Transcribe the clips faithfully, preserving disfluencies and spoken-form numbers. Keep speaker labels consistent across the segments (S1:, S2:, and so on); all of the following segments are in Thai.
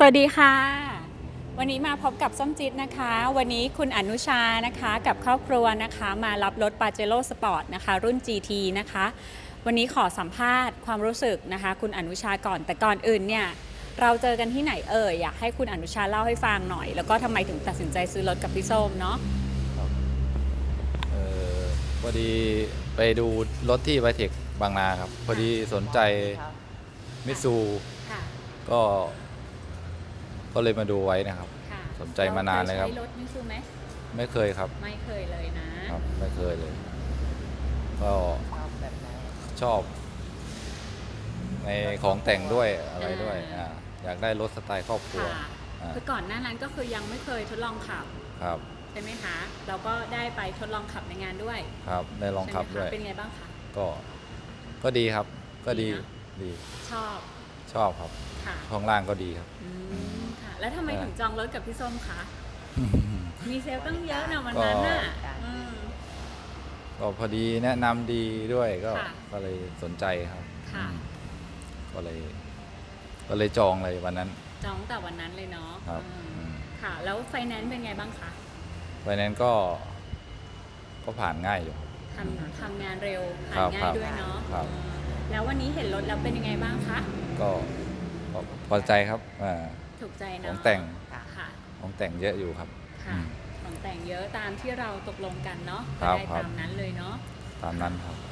S1: สวัสดีค่ะวันนี้มาพบกับส้มจิตนะคะวันนี้คุณอนุชานะคะกับครอบครัวนะคะมารับรถ Pajero Sport นะคะรุ่น จี ที นะคะวันนี้ขอสัมภาษณ์ความรู้สึกนะคะคุณอนุชาก่อนแต่ก่อนอื่นเนี่ยเราเจอกันที่ไหนเอ่ยอยากให้คุณอนุชาเล่าให้ฟังหน่อยแล้วก็ทำไมถึงตัดสินใจซื้อรถกับพี่ส้มเนาะ
S2: เออพอดีไปดูรถที่ไวเทคบางนาครับพอดีสนใจมิตซูก็ก็เลยมาดูไว้นะครับสนใจมานานเลยครับ
S1: ใช้รถมิตซูไหม
S2: ไม่เคยครับ
S1: ไม่เคยเลยนะครับ
S2: ไม่เคยเลยก็ชอบในของแต่งด้วยอะไรด้วยอ่าอยากได้รถสไตล์ครอบครัว
S1: คือก่อนหน้านั้นก็คือยังไม่เคยทดลองขับ
S2: ครับ
S1: ใช่ไหมคะเราก็ได้ไปทดลองขับในงานด้วย
S2: ครับได้ลองขับด้วย
S1: เป็นไงบ้างคะ
S2: ก็ก็ดีครับก็ดีดี
S1: ชอบ
S2: ชอบครับห้องล่างก็ดีครับ
S1: ค่ะแล้วทำไมถึงจองรถกับพี่ส้มคะมีเซลล์ตั้งเยอะนะวันนั้นน่ะ
S2: ก็พอดีแนะนำดีด้วยก็ก็เลยสนใจครับก็เลยก็เลยจองเลยวันนั้น
S1: จองแต่วันนั้นเลยเนาะ
S2: ครับ
S1: ค่ะแล้วไฟแนนซ์เป็นไงบ้างคะ
S2: ไฟแนนซ์ก็ก็ผ่านง่ายอยู่
S1: ทำทำงานเร็วผ่านง่ายด้วยเนาะแล้ววันนี้เห็นรถแล้วเป็นยังไงบ้างคะ
S2: ก็พอใจครับ
S1: ถูกใจเนาะ
S2: ของแต่งของแต่งเยอะอยู่ครับ
S1: ค่ะของแต่งเยอะตามที่เราตกลงกันเนาะได้ตามนั้นเลยเนาะ
S2: ตามนั้นครับ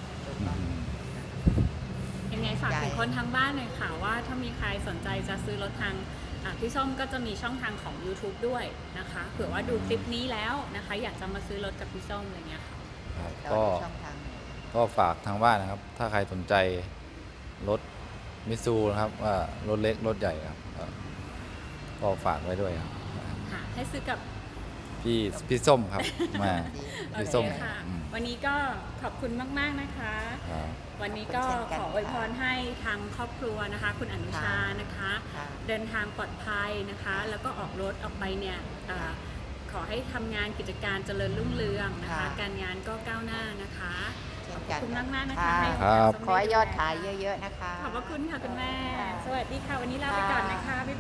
S1: ยังไงฝากถึงคนทางบ้านหน่อยค่ะว่าถ้ามีใครสนใจจะซื้อรถทางพี่ส้มก็จะมีช่องทางของ ยูทูบ ด้วยนะคะเผื่อว่าดูคลิปนี้แล้วนะคะอยากจะมาซื้อรถกับพี่ส้มอะไรเงี้ยค่ะ
S2: ก็ก็ฝากทางบ้านนะครับถ้าใครสนใจรถมิตซูนะครับว่ารถเล็กรถใหญ่ครับก็ฝากไว้ด้วยครับ
S1: ให้ซื้อกับ
S2: พี่พี่ส้มครับมาพี่ส้ม
S1: ค่ะวันนี้ก็ขอบคุณมากๆนะคะวันนี้ก็ขออวยพรให้ทางครอบครัวนะคะคุณอนุชานะคะเดินทางปลอดภัยนะคะแล้วก็ออกรถออกไปเนี่ยขอให้ทำงานกิจการเจริญรุ่งเรืองนะคะการงานก็ก้าวหน้านะคะขอบคุณมากมากนะคะให้
S3: ขอให้ยอดขายเยอะๆนะคะ
S1: ขอบพระคุณค่ะคุณแม่สวัสดีค่ะวันนี้ลาไปก่อนนะคะบ๊าย